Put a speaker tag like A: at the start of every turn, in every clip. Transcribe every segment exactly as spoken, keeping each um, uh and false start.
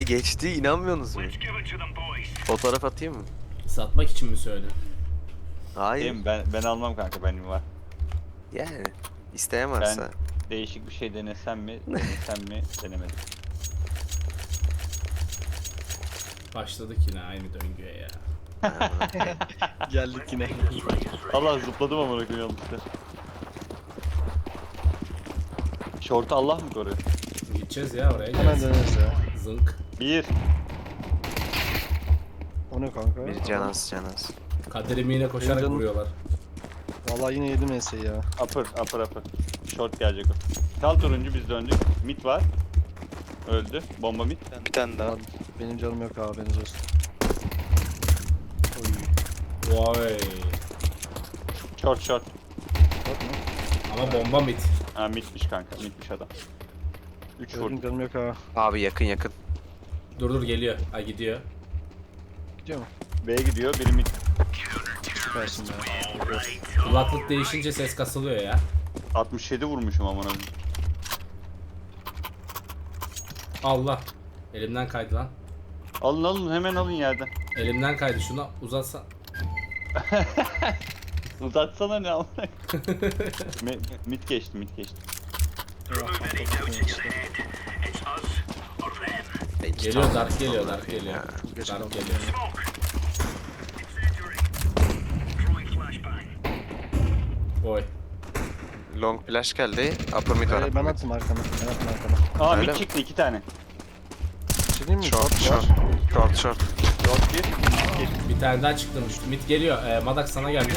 A: geçti, inanmıyorsunuz mu? Fotoğraf atayım mı?
B: Satmak için mi söyledin?
A: Hayır.
C: Değil mi? Ben, ben almam kanka, benim var.
A: Yani isteyen varsa.
C: Ben değişik bir şey denesem mi, denesem mi, denemedim.
B: Başladık yine aynı döngüye ya.
D: Geldik yine.
C: Allah, zıpladım amına koyayım yanlışlıkla. Şortu Allah mı koruyor?
B: Gideceğiz ya oraya.
D: Hemen
B: gelsin.
D: döneriz ya.
B: Zınk.
C: Bir.
D: O ne kanka?
A: Bir canaz canaz.
B: Kaderimi yine koşarak
D: Benim canım-
B: vuruyorlar.
D: Vallahi yine yedim enseyi ya.
C: Upper, upper, upper. Short gelecek o. Kal turuncu, biz döndük. Mid var. Öldü. Bomba mid.
E: Bir tane daha.
D: Abi, benim canım yok abi, haberiniz olsun. Oy.
B: Vay.
C: Short, short.
D: Bak mı?
B: Ama bomba mid.
C: Ha, midmiş kanka, midmiş adam. üç
D: Gördüm,
C: vurdu.
D: canım yok ha.
A: Abi yakın yakın.
B: Dur dur geliyor. Ha gidiyor.
D: Gidiyor mu?
C: B'ye gidiyor, biri mid.
D: Süpersin be.
B: Kulaklık değişince ses kasılıyor ya.
C: altmış yedi vurmuşum amına koyayım.
B: Allah. Elimden kaydı lan.
C: Alın alın, hemen alın yerden.
B: Elimden kaydı, şunu uzatsa.
C: Uzatsana ne amına koyayım. Me- Mid geçti, mid geçti.
B: Geliyor, dark geliyor, dark geliyor.
D: Çok geç
B: Dark
D: kaldım.
B: geliyor. Oy.
A: Long flash geldi. Upper mid var.
D: Ee,
A: upper
D: ben
A: mid.
D: attım arkana. Ben attım arkana.
C: Aa,
A: Öyle
C: mid
A: mi?
C: çıktı iki tane.
D: Şey diyeyim mi?
A: Short
D: Short
A: short.
D: var.
A: Short short.
C: Short bir, mid bir.
B: Bir tane daha çıktı. Mid geliyor. Ee, Madak sana geldi.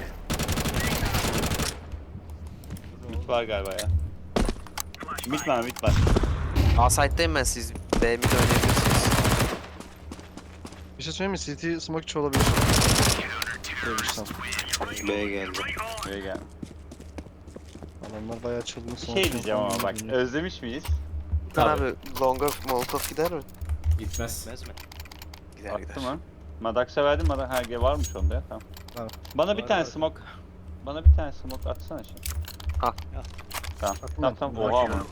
C: Mid var galiba ya. Mid var, mid var.
A: A site'dayım ben, siz B mid oynayabilirsiniz.
D: Bir şey söyleyeyim mi? C T smoke içi olabilir. Demiştim.
E: B'ye geldi.
C: Buraya gel.
D: Adamlar bayağı çılgın
C: Bir
D: smoke.
C: şey diyeceğim ama bak,
D: içi.
C: özlemiş miyiz?
A: Tan
B: Tabii.
A: abi longa molotov gider mi?
B: Gitmez.
E: Bilmez mi?
A: Gider
C: Attı
A: gider.
C: mı? Madax'a verdim, Madax ha ge- varmış onda ya, tamam.
D: Tamam.
C: Bana bir
E: Var,
C: tane
E: var.
C: smoke, bana bir tane smoke atsana şimdi.
A: Al.
C: Tamam,
D: Attım
C: tamam,
D: ben.
C: tamam,
D: Merak
C: oha
D: etme.
C: ama.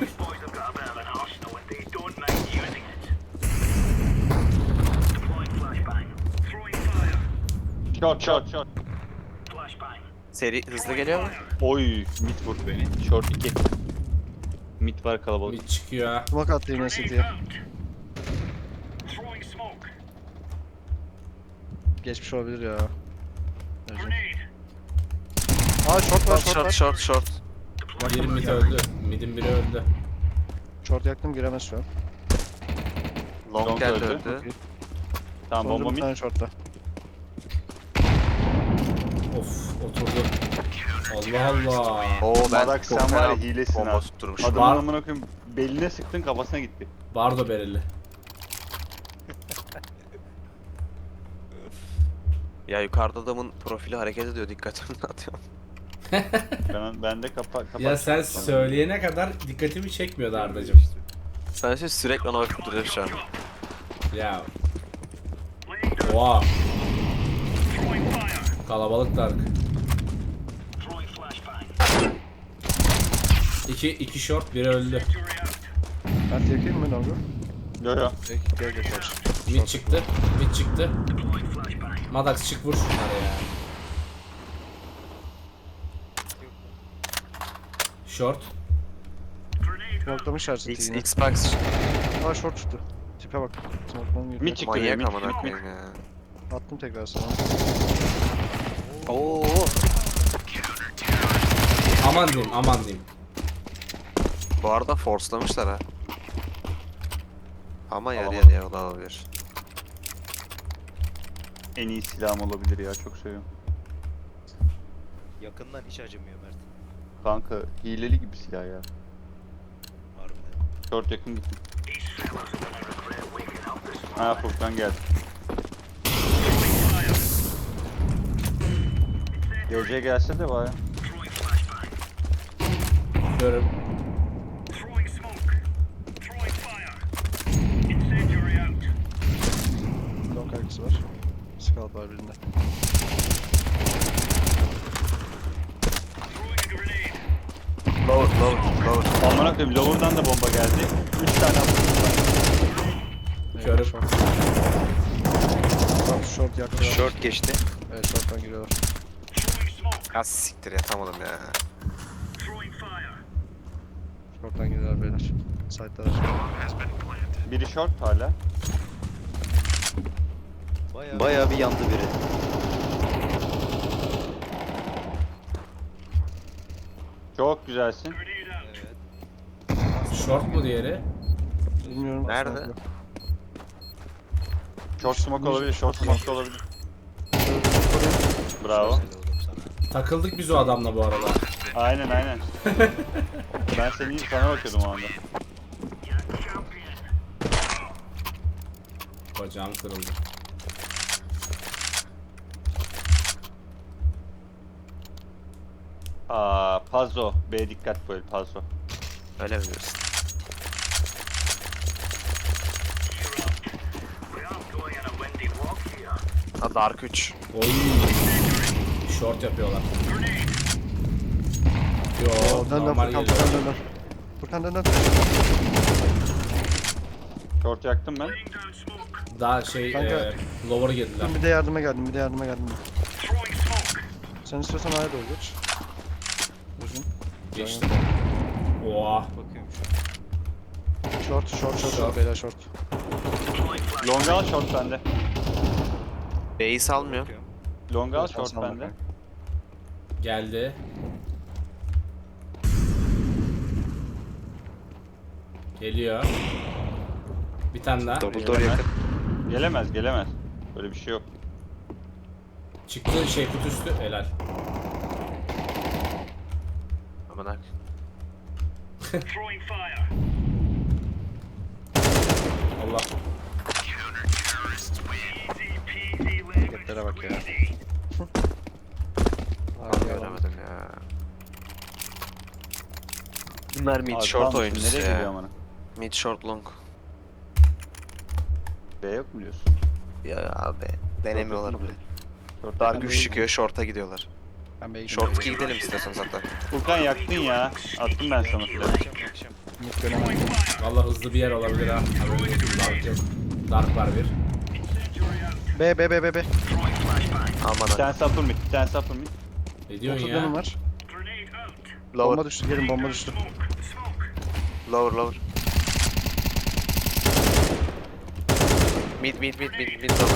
C: Short, short, short.
A: Seri hızlı geliyor mu?
C: Oy, mid vurdu beni. Short iki. Mid var kalabalık.
B: Mid çıkıyor ha.
D: Smoke attı yine C T'ye. Geçmiş olabilir ya. Özür. Aa short var,
A: Short
D: short
A: short
D: var.
A: short short.
B: Bir mid öldü. Mid'in biri öldü.
D: Short yaktım, giremez şu an.
A: Long,
C: Long
A: geldi
C: öldü.
A: öldü.
C: Tamam,
D: Sonunda
C: bomba
D: bir
C: mid.
D: tane shortta.
B: Of, oturdu. Allah Allah.
A: Oo ben
C: Madax
A: çok
C: sen
A: fena
C: var ya, hilesin
A: bomba
C: ha.
A: tutturmuş.
C: Adamın
B: Var.
C: amına koyayım, beline sıktın, kafasına gitti.
B: Bardo bereli.
A: Ya yukarıda adamın profili hareket ediyor, dikkatimi dağıtıyor.
C: Ben, ben de kapa kapat.
B: Ya sen söyleyene kadar dikkatimi çekmiyordu Ardacığım.
A: Sen şey sürekli ona bakıp duruyorsun şu an.
B: Ya. Oha. Kalabalık dark. İki, iki short, biri öldü.
D: Ben yakayım mı Longo?
C: Yo yo.
D: Peki, gel gel kaç.
B: Mid çıktı, mid çıktı. Madax çık vur şunları ya. Short.
D: Smoke'lamışlar C T'yi
A: X,
D: yine.
A: Xbox
D: Aa short çıktı. Tipe bak. Smoke'dan girdi.
C: Mid çıktı.
A: manyak
C: mid,
A: amına
C: mid, mid.
A: koyayım ya.
D: Attım tekrar sana.
A: Oo.
B: Aman diyeyim, aman diyeyim.
A: Bu arada force'lamışlar ha. Ama yarı
C: Alamadım.
A: yarıya o da olabilir.
C: En iyi silahım olabilir ya, çok seviyorum.
E: Yakından hiç acımıyor Mert.
C: Kanka hileli gibi silah ya.
E: Harbiden.
C: Short yakın gittim. Ha, Furkan geldi. G C gelse de baya.
B: Görüm.
D: Long kaygısı var. Scout var birinde.
A: Lower lower lower.
C: Amına koyayım, lower'dan da bomba geldi. üç tane atmış var.
B: Görüyorum.
D: Short. Short, short yaktı.
A: Short geçti.
D: Evet short'tan giriyorlar.
A: Ya siktir yatamadım ya.
D: Short'tan giriyorlar beyler. Side'dalar.
C: Biri short hala.
E: Bayağı,
F: Bayağı bir yandı biri.
C: Çok güzelsin.
E: evet.
B: Short mu diğeri?
D: Bilmiyorum.
A: Nerede?
D: smoke yok.
C: Short smoke olabilir, short smoke olabilir. Bravo.
E: Helal oğlum sana.
B: Takıldık biz o adamla bu arada.
C: Aynen aynen. Ben seni sana bakıyordum o anda.
B: Bacağım kırıldı.
C: Aa, Pazo. B dikkat böyle Pazo.
A: Öyle mi diyorsun? Ha Dark üç.
B: Oy. Short yapıyorlar. Yo,
D: Oo, dön dön
B: normal
D: Furkan,
B: geliyor.
D: Furkan dön dön. Furkan dön dön.
C: Short yaktım ben.
B: Daha şey,
D: Kanka.
B: e, lower'a girdiler.
D: Ben bir de yardıma geldim, bir de yardıma geldim. Sen istiyorsan A'ya doğru geç. Uzun.
B: Geçti. Oha.
E: Bakıyorum şu an.
D: Short, short, short,
B: Short.
D: short, beyler short.
C: Long al short bende.
A: B'yi salmıyor.
E: Bakıyorum.
C: Long al
D: Sen
C: short
D: salma
C: bende.
D: kanka.
B: Geldi. Geliyor. Bir tane daha.
A: Double door yakın.
C: Gelemez gelemez. Böyle bir şey yok.
B: Çıktı şey kutu üstü. Helal.
A: Aman ak.
B: Allah.
D: Hareketlere bak ya.
A: Abi
D: Abi,
A: göremedim ya. Bunlar mid
C: Abi,
A: short
C: tamam,
A: oyuncusu
C: nereye gidiyor
A: ya.
C: amına?
A: Mid short long.
C: B yok mu diyorsun?
A: Ya abi. Denemiyorlar bile.
C: Short
A: Dark
C: yakan
A: üç
C: değil.
A: çıkıyor short'a gidiyorlar.
D: Ben B'ye
A: Short
D: gidiyorum.
A: iki gidelim istiyorsanız hatta.
C: Furkan yaktın ya. Attım ben sana flash.
E: Akşam akşam.
D: Mid dönemem.
B: Vallahi hızlı bir yer olabilir ha. Haberin olsun. Dark yok. Dark var bir.
D: B, B, B, B, B.
A: Aman
C: Bir
A: ak.
C: tane upper mid, bir tane upper mid.
B: Ne diyorsun
D: Otuz dönüm
B: ya?
D: var.
A: Lower,
D: Bomba düştü, gelin bomba düştü.
A: lower, lower. Mid, mid, mid, mid, mid lower.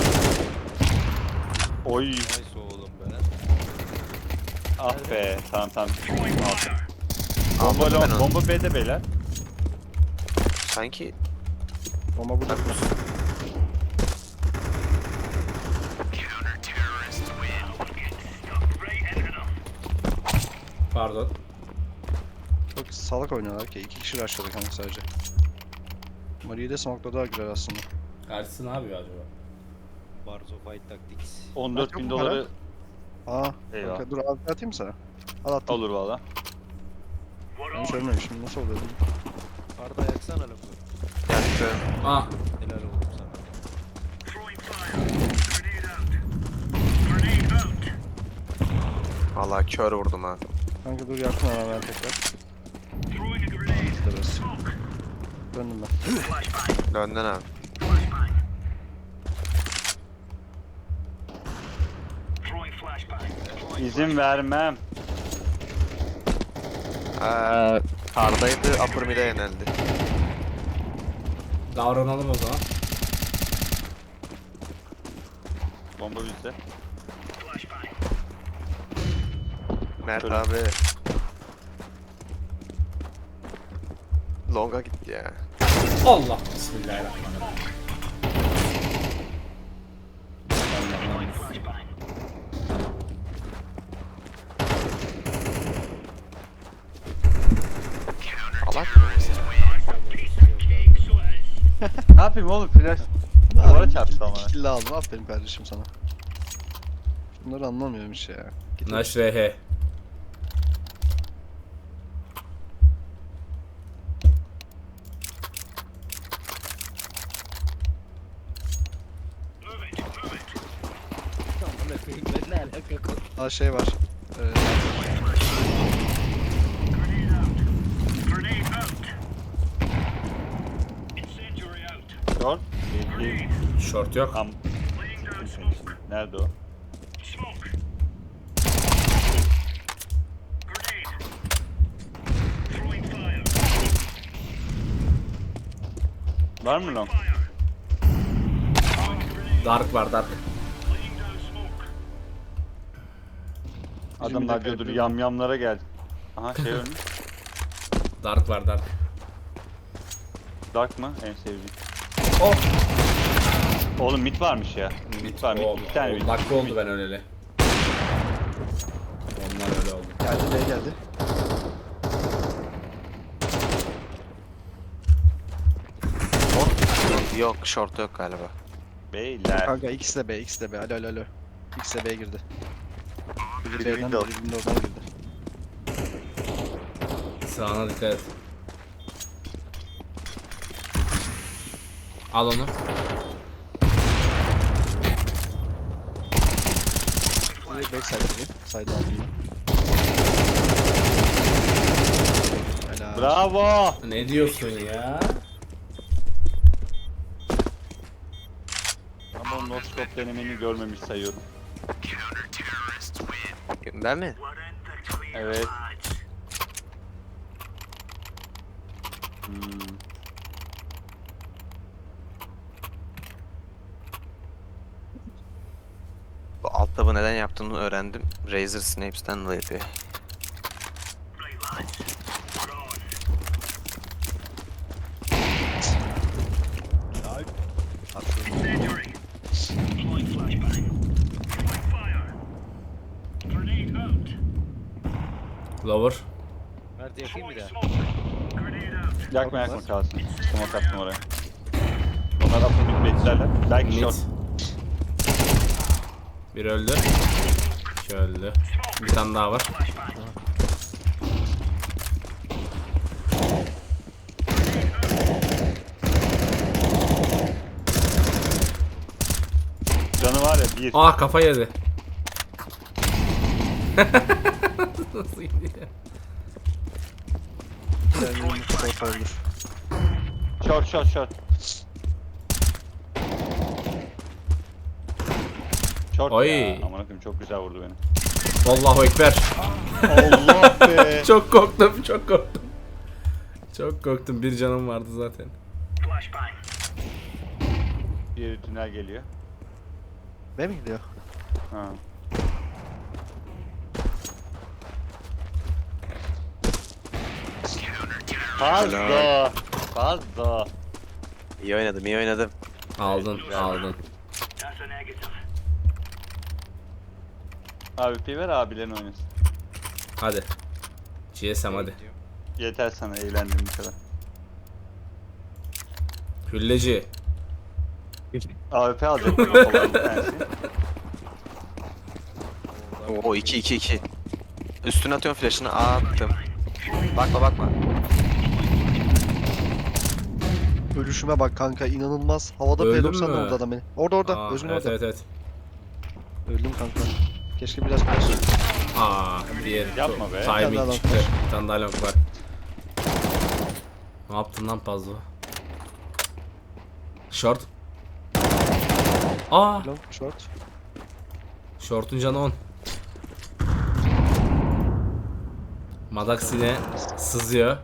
C: Oy.
E: Nice oğlum be.
C: Ah be. Tamam tamam.
A: Almadım
C: Bomba,
A: ben
C: long,
A: onu.
C: bomba B'de beyler.
A: Sanki
D: Bomba burada.
B: Pardon.
D: Çok salak oynuyorlar ki. İki kişi rushladı kanka sadece. Mari'yi de smoke'ladılar güzel aslında.
B: Karşısı ne yapıyor acaba?
E: Barzo Fight Tactics.
C: on dört
D: Yok
C: bin
D: mu
C: doları
D: Aa,
C: Eyvah.
D: kanka dur abi atayım mı sana? Al attım.
C: olur valla.
D: Ben hiç ölmemişim. Nasıl oluyor?
E: Arda yaksana lafı.
A: yaktı.
B: Ah.
E: Helal oğlum sana.
A: Vallahi kör vurdum ha.
D: Kanka dur yaktım ama ben tekrar. İşte biraz. Döndüm ben.
A: Döndün abi.
C: İzin vermem.
A: Eee kardaydı, upper mid'e yöneldi.
B: Davranalım o zaman.
C: Bomba bizde.
A: Mert
C: Şöyle.
A: abi. Long'a gitti ya.
B: Allah. Bismillahirrahmanirrahim.
A: Alak mı?
C: Ne yapayım oğlum flash? Duvara çarptı ama.
D: Kill aldım. Aferin kardeşim sana. Bunları anlamıyorum hiç ya. Git
B: Naş R H.
D: Aa şey var. Ee,
C: Short. Bekleyin.
B: Short yok.
C: Tam. Siktim seni şimdi. Nerede o? Var mı lan?
B: Dark var dark.
C: Adamlar diyordur yamyamlara geldi. Aha şey ölmüş.
B: Dark var dark.
C: Dark mı? En sevdiğim.
B: Oh.
C: Oğlum mid varmış ya. Mid var mid.
B: Oh,
C: Bir tane mid.
B: on dakika oldu ben öleli. Onlar öyle oldu.
D: Geldi B'ye geldi.
A: Yok short yok galiba.
C: Beyler.
D: Kanka ikisi de B, ikisi de B. Alo alo alo. İkisi de B'ye girdi. Biri
C: Biri
D: B'den,
C: window.
D: biri window'dan girdi.
B: Sağına dikkat et. Al onu.
D: Biri backside biri. Side altında. Helal.
C: Bravo.
B: Ne diyorsun ya?
C: Ama o noskop denemeni görmemiş sayıyorum.
A: Ben mi?
C: Evet. Hmm.
A: Bu alt tabı neden yaptığını öğrendim. Razer Snapes'ten dolayı yapıyor.
B: Lower.
E: Mert yakayım bir daha.
C: Yakma yakma kalsın. Smoke attım oraya. Onlar da mid beklerler. Belki
B: Mid.
C: short.
B: Bir öldü. İki öldü. Bir tane daha var.
C: Canı var ya bir.
B: Aa kafa yedi. Nasıl gidiyor?
D: Kendini short oldur.
C: Short short short. Short
B: Oy.
C: ya. Aman akım çok güzel vurdu beni.
B: Allahu ekber.
C: Allah be.
B: Çok korktum, çok korktum. Çok korktum. Bir canım vardı zaten.
C: Diğeri tünel geliyor.
D: B mi gidiyor?
C: Ha. Fazla. Fazla.
A: İyi oynadım, iyi oynadım.
B: Aldın,
C: güzel.
B: aldın.
C: Abi P ver abilerin oynasın.
B: Hadi. G S M hadi.
C: Yeter sana eğlendim bu kadar.
B: Hülleci.
C: A W P alacak mı kafalarını bir tanesi?
A: Oo iki iki iki. Üstüne atıyorum flash'ını. Attım. Bakma bakma.
D: Ölüşüme bak kanka inanılmaz. Havada
B: Öldün
D: P doksan
B: mü?
D: orada adam beni. Orada orada.
B: Aa,
D: Özgün
B: evet,
D: orada.
B: evet evet.
D: Öldüm kanka. Keşke biraz biraz.
B: Aa, diğer
C: Yapma be.
D: Bir tane daha
B: timing
D: long
B: çıktı.
D: var.
B: Bir tane daha long var. Ne yaptın lan Pazzo? Short. Aa,
D: Long short.
B: short'un canı on. Madax yine sızıyor.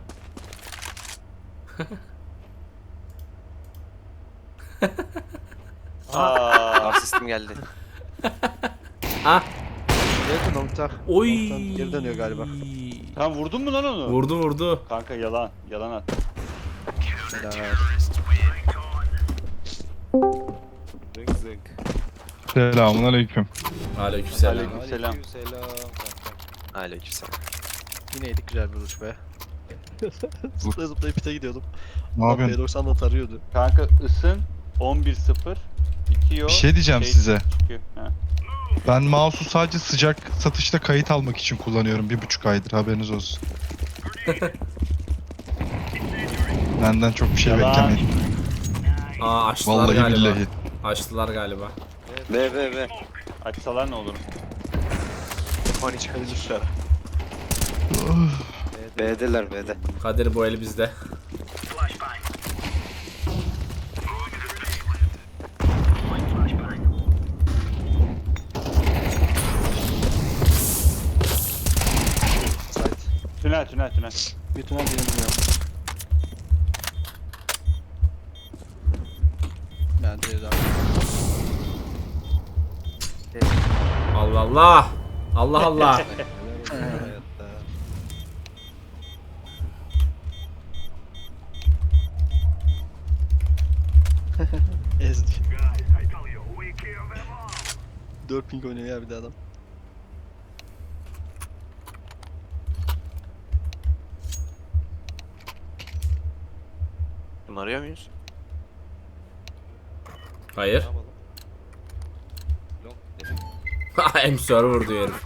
C: Aa,
A: Asistim geldi.
B: Ah,
D: Yakın longta.
B: oy.
D: Long'tan geri dönüyor galiba.
C: sen vurdun mu lan onu?
B: Vurdu vurdu.
C: Kanka yalan. Yalan at.
D: Helal.
E: Zınk zınk.
F: Selamun aleyküm.
B: Aleykümselam.
C: Aleyküm. Selam.
E: Aleykümselam kankam.
A: Aleykümselam.
D: Yine yedik güzel bir vuruş be. Zıplaya zıplaya pite gidiyordum.
F: Ne
D: P
F: yapıyorsun?
D: doksan da tarıyordu.
C: Kanka ısın on bir sıfır bitiyor.
F: Bir şey diyeceğim
C: şey
F: size.
C: çıkıyor. Ha.
F: Ben mouse'u sadece sıcak satışta kayıt almak için kullanıyorum. Bir buçuk aydır haberiniz olsun. Benden çok bir şey
C: Yalan.
F: beklemeyin.
B: Aa açtılar
F: Vallahi
B: galiba.
F: billahi.
B: Açtılar galiba.
A: B B B.
C: Açsalar ne olur?
A: Hani çıkabilir. B'deler B'de.
B: Kadir bu el bizde.
C: tünel.
D: Bir tünel birini bilmiyorum. Ben C'den.
B: Allah Allah. Allah Allah.
E: Hayatta.
D: Ezdi. dört ping oynuyor ya bir de adam.
A: Bunu arıyor muyuz?
B: Hayır.
E: Ne yapalım? Long dedim.
B: M server diyor herif.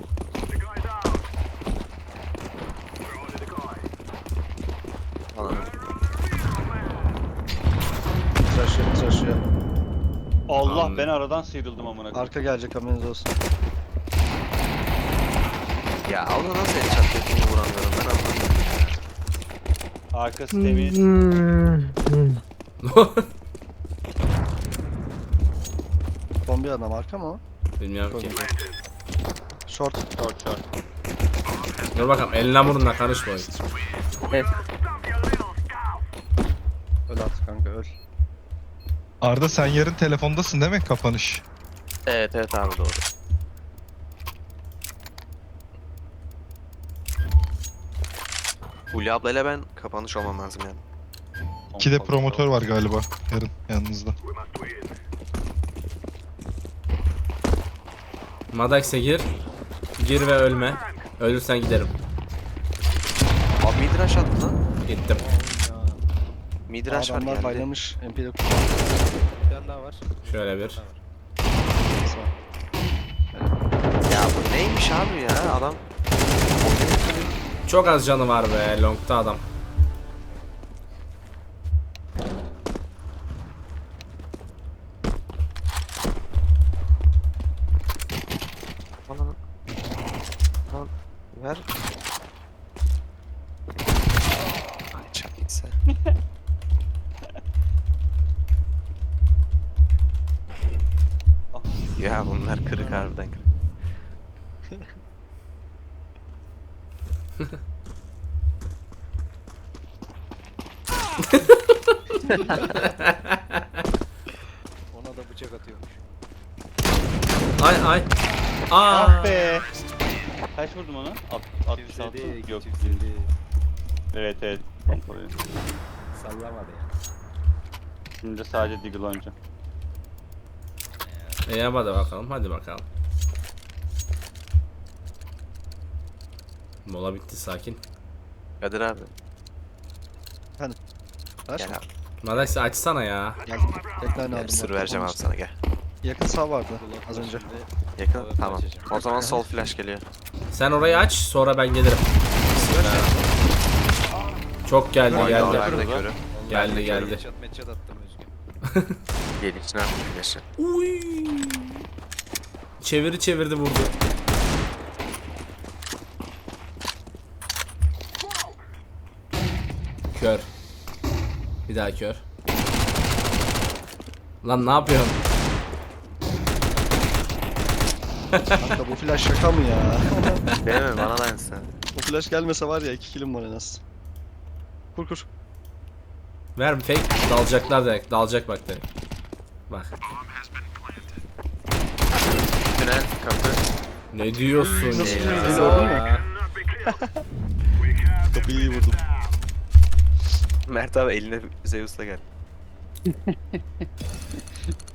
A: Falan.
D: Tıraşıyor tıraşıyor.
C: Allah
B: Tamam.
C: ben aradan sıyrıldım amına koyayım.
D: Arka gelecek haberiniz olsun.
A: Ya Allah nasıl headshot yaptığını vuramıyorum ben anlamadım ya.
C: Arkası temiz.
D: Bombi adam arka mı o?
B: Bilmiyorum ki.
D: Short.
C: Short short.
B: Dur bakalım eline burnuna karışma.
D: Öl artık kanka öl.
F: Arda sen yarın telefondasın değil mi kapanış?
A: Evet evet abi doğru. Hulya ablayla ben kapanış olmam lazım yani.
F: İki de promotör var galiba yarın yanınızda.
B: Madax'e gir. Gir ve ölme. Ölürsen giderim.
A: Abi midrash attı lan.
B: Gittim.
A: Midrash var
D: Adamlar
A: geldi.
D: baylamış. M P'de
E: Bir tane daha var.
B: Şöyle bir.
E: tane daha var.
D: kullanması var.
A: Ya bu neymiş abi ya adam.
B: Çok az canı var be. Long'ta adam.
A: Bana Lan ver. Ay çok iyisi. Ya bunlar kırık harbiden kırık.
E: Ona da bıçak atıyormuş.
B: Ay ay. Aa.
C: Ah be. Kaç vurdum ona? Alt- altmış altı.
E: Kimsedi,
C: Yok.
E: kimsedi.
C: Evet evet. Kontrol edin.
E: Sallamadı ya.
C: Şimdi de sadece Deagle oynayacağım.
B: İyi hadi bakalım. Hadi bakalım. Mola bitti sakin.
A: Kadir abi.
D: Ver.
A: Gel abi.
B: Madax açsana ya.
D: Geldim. Tekrar
A: Gel
D: aldım.
A: bir sır
D: bak,
A: vereceğim abi
D: kapanışta.
A: sana gel.
D: Yakın sağ vardı az önce.
A: Yakın
E: Evet,
A: tamam.
E: açacağım.
A: O zaman sol flash geliyor.
B: Sen orayı aç sonra ben gelirim. Çok geldi
A: Oyna
B: geldi.
A: orada da körü.
B: Geldi geldi.
E: Meçhat meçhat attım Özgün.
A: Gel içine attım flash'ı.
B: Uy. Çeviri çevirdi vurdu. Kör. Bir daha kör. Lan ne yapıyorsun?
D: Kanka bu flash şaka mı ya?
A: Değil mi? Bana da aynısı.
D: Bu flash gelmese var ya iki killim var en az. Kur kur.
B: Ver bir fake. Dalacaklar direkt. Dalacak bak direkt. Bak.
A: Tünel kapı.
B: Ne diyorsun
D: Nasıl
B: ya?
D: çevirdi, gördün mü? Kapıyı iyi vurdum.
A: Mert abi eline Zeus'la gel.